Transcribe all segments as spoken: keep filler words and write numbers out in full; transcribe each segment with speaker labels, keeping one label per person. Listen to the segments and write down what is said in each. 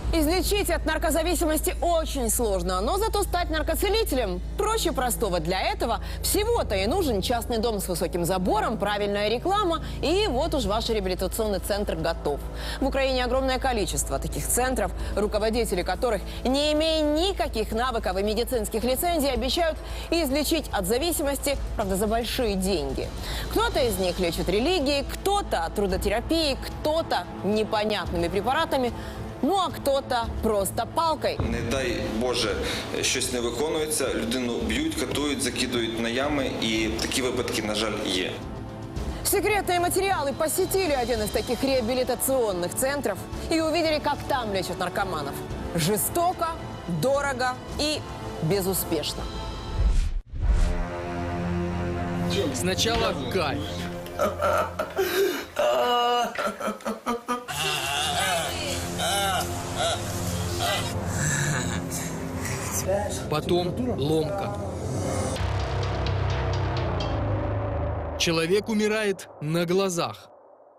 Speaker 1: Излечить от наркозависимости очень сложно, но зато стать наркоцелителем проще простого. Для этого всего-то и нужен частный дом с высоким забором, правильная реклама, и вот уж ваш реабилитационный центр готов. В Украине огромное количество таких центров, руководители которых, не имея никаких навыков и медицинских лицензий, обещают излечить от зависимости, правда, за большие деньги. Кто-то из них лечит религией, кто-то трудотерапией, кто-то непонятными препаратами. Ну, а кто-то просто палкой.
Speaker 2: Не дай Боже, щось не виконується, людину б'ють, катують, закидують на ями, і такі випадки, на жаль, є.
Speaker 1: Секретные материалы посетили один из таких реабилитационных центров и увидели, как там лечат наркоманов. Жестоко, дорого и безуспешно.
Speaker 3: Сначала кайф. Потом ломка. Человек умирает на глазах.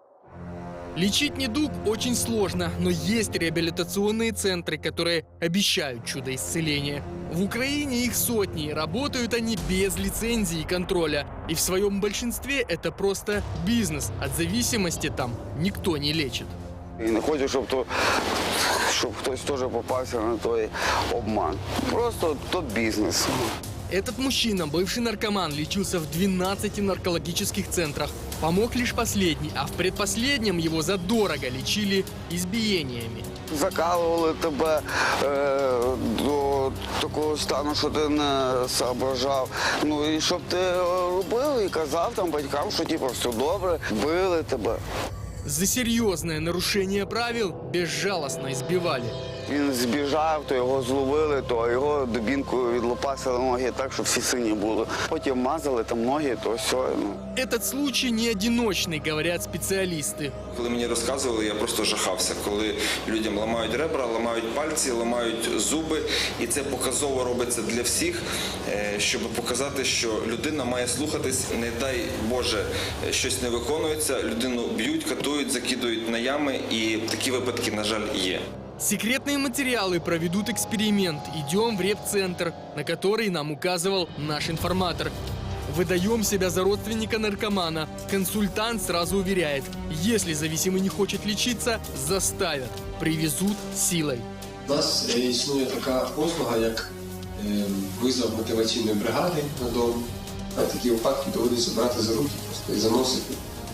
Speaker 3: Лечить недуг очень сложно, но есть реабилитационные центры, которые обещают чудо исцеления. В Украине их сотни, работают они без лицензии и контроля. И в своем большинстве это просто бизнес. От зависимости там никто не лечит.
Speaker 4: І не хочу, щоб, то, щоб хтось теж попався на той обман. Просто то бізнес.
Speaker 3: Этот мужчина, бывший наркоман, лечился в двенадцати наркологических центрах. Помог лишь последний, а в предпоследнем его задорого лечили избиениями.
Speaker 4: Закалували тебе е, до такого стану, що ти не соображав. Ну і щоб ти робив і казав там батькам, що типу, все добре, били тебе.
Speaker 3: За серьезное нарушение правил безжалостно избивали.
Speaker 4: Він збіжав, то його зловили, то його дубінкою відлопасили ноги так, щоб всі сині були. Потім мазали там ноги, то все. Ну.
Speaker 3: Этот случай не одиночный, говорят специалисты.
Speaker 2: Коли мені розказували, я просто жахався, коли людям ламають ребра, ламають пальці, ламають зуби. І це показово робиться для всіх, щоб показати, що людина має слухатись. Не дай Боже, щось не виконується, людину б'ють, катують, закидують на ями, і такі випадки, на жаль, є.
Speaker 3: Секретные материалы проведут эксперимент. Идем в репцентр, на который нам указывал наш информатор. Выдаем себя за родственника наркомана. Консультант сразу уверяет, если зависимый не хочет лечиться, заставят, привезут силой.
Speaker 5: У нас існує така послуга, як визов мотиваційної бригади на дом. А такі випадки доводиться брати за руки просто і заносити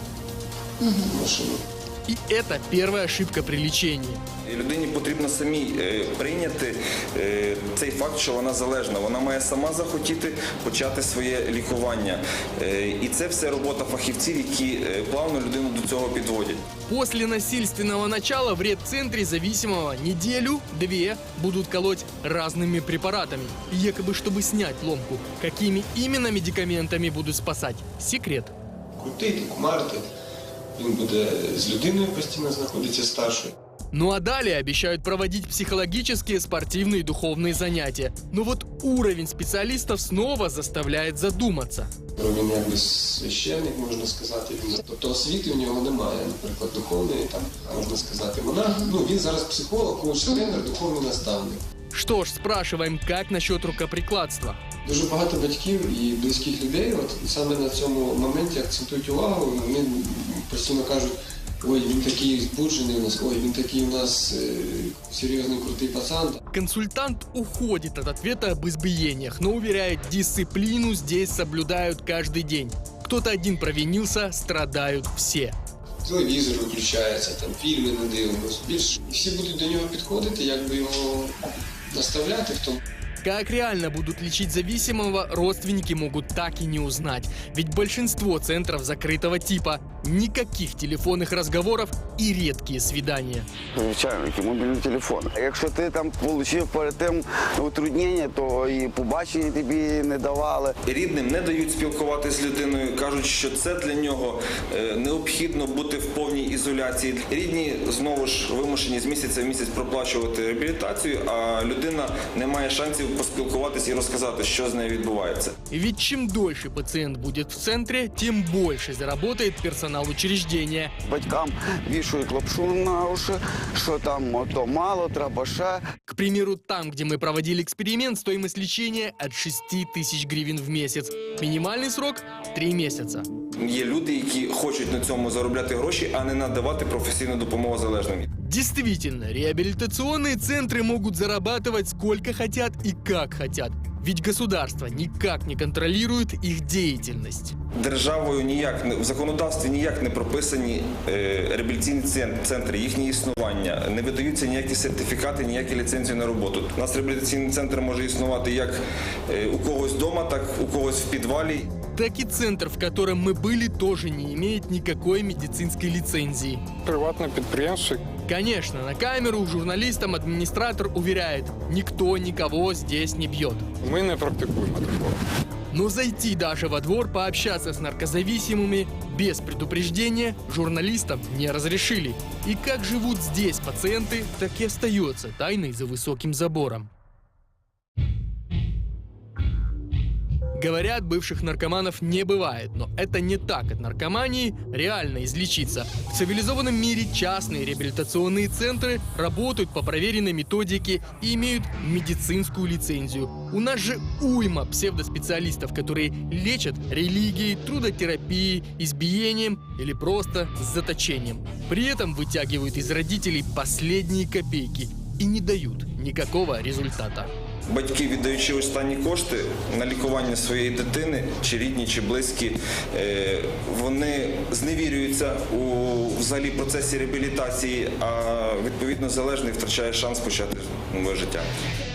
Speaker 5: в машину.
Speaker 3: И это первая ошибка при лечении.
Speaker 2: І людині потрібно самій е, прийняти е, цей факт, що вона залежна. Вона має сама захотіти почати своє лікування. Е, і це все робота фахівців, які е, плавно людину до цього підводять.
Speaker 3: После насильственного начала в репцентре зависимого неделю-две будут колоть разными препаратами. Якобы, чтобы снять ломку. Какими именно медикаментами будут спасать? Секрет.
Speaker 5: Крутити, кумарити. Він буде з людиною постійно знаходитися старшою.
Speaker 3: Ну а далее обещают проводить психологические, спортивные и духовные занятия. Но вот уровень специалистов снова заставляет задуматься.
Speaker 5: Він якби священник, можна сказати. Тобто освіти у нього немає, наприклад, духовної, там, можна сказати, монах. Ну, він зараз психолог, коуч-тренер, духовний наставник.
Speaker 3: Что ж, спрашиваем, как насчет рукоприкладства?
Speaker 5: Дуже багато батьків і близьких людей от саме на цьому моменті акцентують увагу. Вони постійно кажуть, ой, він такий збуджений у нас, ой, він такий у нас е, серйозний, крутий пацан.
Speaker 3: Консультант уходит от ответа об избиениях, но уверяет, дисциплину здесь соблюдают каждый день. Кто-то один провинился, страдают все.
Speaker 5: Телевізор виключається, там фільми не дивимося. Більш всі будуть до нього підходити, якби його наставляти в тому.
Speaker 3: Как реально будут лечить зависимого, родственники могут так и не узнать. Ведь большинство центров закрытого типа. Никаких телефонных разговоров и редкие свидания.
Speaker 4: Звичайно, який мобільний телефон. Якщо ти там отримав перед тим утруднення, то і побачення тобі не давали.
Speaker 2: Рідним не дають спілкуватися з людиною, кажуть, що це для нього е, необхідно бути в повній ізоляції. Рідні, знову ж, вимушені з місяця в місяць проплачувати реабілітацію, а людина не має шансів поспілкуватися і розказати, що з нею відбувається.
Speaker 3: Ведь чем дольше пациент будет в центре, тем больше заработает персонал персонал учреждения.
Speaker 4: Батькам вішають лапшу на уші, що там ото мало, треба ще.
Speaker 3: К примеру, там, где мы проводили эксперимент, стоимость лечения от шести тысяч гривен в месяц. Минимальный срок – три месяца.
Speaker 2: Є люди, які хочуть на цьому заробляти гроші, а не надавати професійну допомогу залежним.
Speaker 3: Действительно, реабилитационные центры могут зарабатывать сколько хотят и как хотят. Ведь государство никак не контролирует их деятельность.
Speaker 2: Державою ніяк, не- в законодавстві ніяк не прописані е, реабілітаційні цен- центри, їхнє існування. Не видаються ніякі сертифікати, ніякі ліцензії на роботу. У нас реабілітаційний центр може існувати як е, у когось вдома, так у когось в підвалі.
Speaker 3: Так и центр, в котором мы были, тоже не имеет никакой медицинской лицензии.
Speaker 6: Приватне підприємство.
Speaker 3: Конечно, на камеру журналистам администратор уверяет, никто никого здесь не бьет.
Speaker 6: Ми не практикуємо такого.
Speaker 3: Но зайти даже во двор пообщаться с наркозависимыми без предупреждения журналистам не разрешили. И как живут здесь пациенты, так и остается тайной за высоким забором. Говорят, бывших наркоманов не бывает, но это не так. От наркомании реально излечиться. В цивилизованном мире частные реабилитационные центры работают по проверенной методике и имеют медицинскую лицензию. У нас же уйма псевдоспециалистов, которые лечат религией, трудотерапией, избиением или просто заточением. При этом вытягивают из родителей последние копейки и не дают никакого результата.
Speaker 2: Батьки, віддаючи останні кошти на лікування своєї дитини, чи рідні, чи близькі, е, вони зневірюються у взагалі процесі реабілітації, а відповідно залежний втрачає шанс почати нове життя.